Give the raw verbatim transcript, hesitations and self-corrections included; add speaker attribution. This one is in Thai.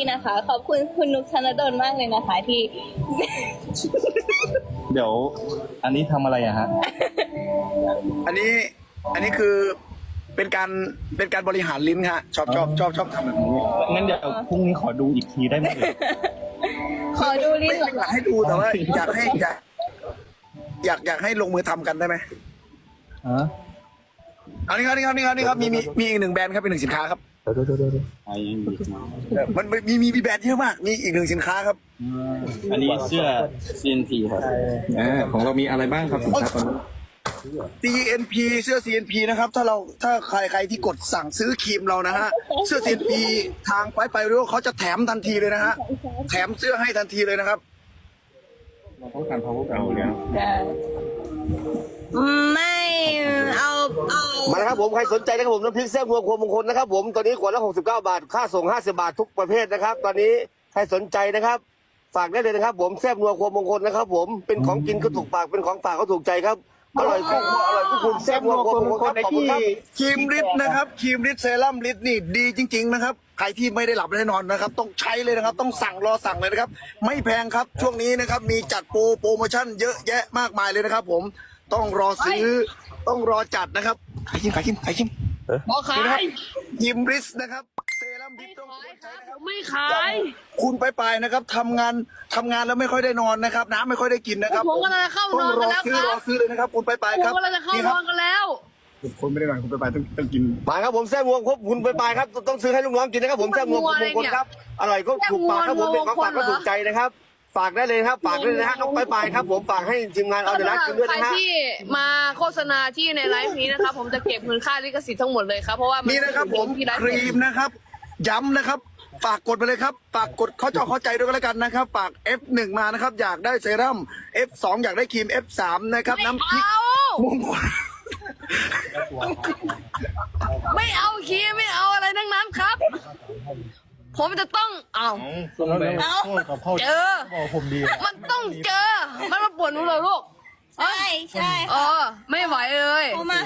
Speaker 1: นะคะ ขอบคุณคุณนุกธนดลมากเลยนะคะที่
Speaker 2: เดี๋ยว อันนี้ทำอะไรอะฮะ
Speaker 3: อันนี้อันนี้คือเป็นการเป็นการบริหารลิ้นฮะชอบชอบชอบชอบทำแบบนี้
Speaker 2: งั้นเดี๋ยวพรุ่งนี้ขอดูอีกทีได้ไหมเอ่ย
Speaker 1: ขอดูลิ้น
Speaker 3: ไม่
Speaker 1: เหรอ
Speaker 3: ไม่อยากให้ดูแต่ว่าอยากให้อยากอยากอยากให้ลงมือทำกันได้ไหม
Speaker 2: ฮะ
Speaker 3: อันนี้ครับนี่ครับนี่ครับนี่ครับมีมีมีอีกหนึ่งแบรนด์ครับเป็นหนึ่งสินค้าครับ
Speaker 2: ไอ้ยังอีกนะ
Speaker 3: เออมันมีมีมีแบรนด์เยอะมากมีอีกหนึ่งสินค้าครับ
Speaker 2: อันนี้เสื้อ ซี เอ็น พี ครับอ่าของเรามีอะไรบ้างครับสินค้าตอนนี้
Speaker 3: ซี เอ็น พี เสื้อ ซี เอ็น พี นะครับถ้าเราถ้าใครใครที่กดสั่งซื้อครีมเรานะฮะเสื้อ ซี เอ็น พี ทางไปไปรู้เขาจะแถมทันทีเลยนะฮะแถมเสื้อให้ทันทีเลยนะครับ
Speaker 2: เราต้องการ power กันอยู่แล้ว
Speaker 1: ไม่เอาเอา
Speaker 4: มานะครับผมใครสนใจนะครับผมน้ำพริกแซ่บนัวครัวมงคลนะครับผมตอนนี้ขวดละหกสิบเก้าบาทค่าส่งห้าสิบบาททุกประเภทนะครับ ตอนนี้ใครสนใจนะครับ ฝากได้เลยนะครับ ผมแซ่บนัวครัวมงคลนะครับผมเป็นของกินก็ถูกปากเป็นของฝากก็ถูกใจครับอร่อยคู่ครัวอร่อยคู่คุณแซ่บนัวครัวมงคลครับขอบคุณครับ
Speaker 3: ครีมริดนะครับครีมริดเซรั่มริดนี่ดีจริง ๆนะครับใครที่ไม่ได้หลับไม่ได้นอนนะครับ ต้องใช้เลยนะครับ ต้องสั่งรอสั่งเลยนะครับ ไม่แพงครับช่วงนี้นะครับ มีจัดโปรโปรโมชั่นเยอะแยะมากมายเลยนะครับ ผมต้องรอซื้อต้องรอจัดนะครับขายคิมขายคิมขายคิม
Speaker 5: บอกขา
Speaker 3: นี่นะครับ
Speaker 5: ย
Speaker 3: ครีมริดนะครับเซรั่มริดต้อง
Speaker 5: ขายค
Speaker 3: ใช้
Speaker 5: รับ
Speaker 3: นะครับ
Speaker 5: ไม่ขาย
Speaker 3: คุณไปไปนะครับทำงานทำงานแล้วไม่ค่อยได้นอนนะครับ น้ำไม่ค่อยได้กินนะครับ
Speaker 5: ผมกำลังจะเข้านอน
Speaker 3: ต้องร
Speaker 5: กั
Speaker 3: อน
Speaker 5: แล้ว
Speaker 3: ซื้อ
Speaker 5: ค
Speaker 3: ร
Speaker 5: รั
Speaker 3: อบ ซื้อเลยนะครับ คุณไปไป
Speaker 5: ผม
Speaker 3: ครับ
Speaker 5: กำลังจะเข้า
Speaker 3: นี่
Speaker 5: น
Speaker 3: ครั
Speaker 5: อบ นกันแล้ว
Speaker 3: คนไม่ได้นอนคุณไปไปต้องต้องกิน
Speaker 4: มาครับผมแซ่บนัวครบคุณไปไปครับต้องซื้อให้ลูกน้องกินนะครับผมแซ่บนัวครัวมงคลครับอร่อยก็ถูกปากครับผมเป็นของฝากก็ถูกใจนะครับ ฝากได้เลยนะครับฝากได้เลยนะฮะน้องไปไปครับผมฝากให้ทีมงานเอาเดลักกินด้วย
Speaker 5: ใคร
Speaker 4: นะฮะ
Speaker 5: ที่มาโฆษณาที่ในไลฟ์นี้นะครับ ผมจะเก็บเงินค่าลิขสิทธิ์ทั้งหมดเลยครับเพราะว่ามั
Speaker 3: นี่นะครับผม
Speaker 5: ที่ไลฟ์
Speaker 3: ครีมนะครับ ย้ำนะครับ ฝากกดไปเลยครับ ฝากกดเขาเจาะเข้าใจด้วยกันแล้วกันนะครับ ฝาก เอฟ หนึ่ง มานะครับ อยากได้เซรั่ม เอฟ สอง อยากได้ครีม เอฟ สาม นะครับ น้ำพริก
Speaker 5: เอา
Speaker 3: มงคล
Speaker 5: ไม่เอาคีย์ไม่เอาอะไรทั้งนั้นครับ ผมจะต้องเอา
Speaker 2: ส่วนแบ่งโทษกับพ่อ
Speaker 5: เจอ
Speaker 2: บอกผมดี
Speaker 5: มันต้องเจอ มันมาปวดหนูเหรอลูก
Speaker 1: ใช่ใช่
Speaker 5: เออ ไม่ไหวเลย
Speaker 1: เขามา